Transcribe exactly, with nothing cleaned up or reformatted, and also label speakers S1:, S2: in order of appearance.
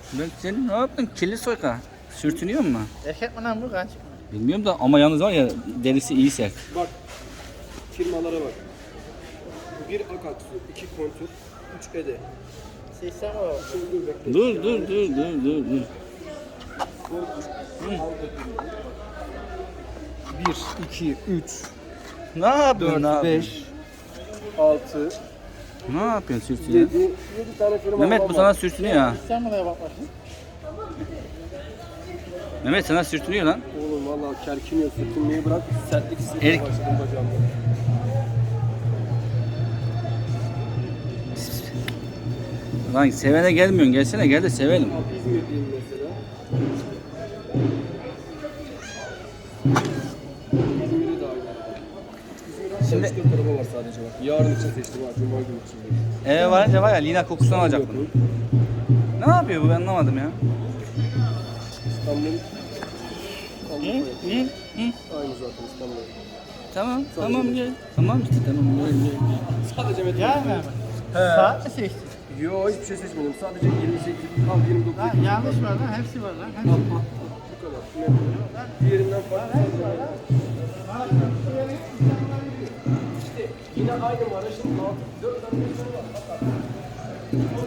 S1: Ben senin ne yaptın? Kirli soyka. Sürtünüyor mu?
S2: Erkek mi lan bu kaç?
S1: Bilmiyorum da ama yalnız var ya derisi iyi sert.
S3: Bak. Firmalara bak. bir Akatsu, iki Kontur, üç Ede.
S2: Seçsem o.
S3: Şimdi dur bekle.
S1: Dur dur dur dur dur dur.
S3: bir, iki, üç,
S1: Ne yapıyorsun
S3: dört,
S1: abi?
S3: beş, altı,
S1: Ne yapıyorsun sürtünüyor?
S3: yedi, yedi tane firma
S1: Mehmet
S3: var.
S1: bu sana sürtünüyor ha.
S2: Seçsem mi de bak bakayım.
S1: Mehmet sana sürtünüyor lan.
S3: Oğlum valla kerkiniyor, sürtünmeyi bırak. Sertlik hissetmeye
S1: Erik-
S3: başladım bacağımda.
S1: Lan sevene gelmiyorsun. Gelsene gel de sevelim.
S3: Abi İzmir'deyim mesela. İzmir'i de aynı. İzmir'de
S1: Şimdi-
S3: üç dört araba var sadece bak. Yarın için seçtim ha, Cuma günü için.
S1: Eve varınca var ya Lina kokusunu alacak bunu. Ne yapıyor bu ben anlamadım ya.
S3: İstanbul.
S1: Hı?
S3: Avrupa
S1: Hı? Hı?
S3: aynı zaten İstanbul.
S1: Tamam tamam gel. Tamam işte tamam gel gel.
S3: Sadece metal.
S2: Ya mı?
S3: He.
S2: Saat mi seçtin?
S3: Yo hiçbir şey seçmedim. Sadece yirmi sekiz, al yirmi dokuz.
S2: Lan yanlış var lan. Hepsi var lan. Hepsi.
S3: Bu kadar. Metal. Diğerinden farklı. İşte yine aynı var. Şimdi altı, dört tane metal var. Bak.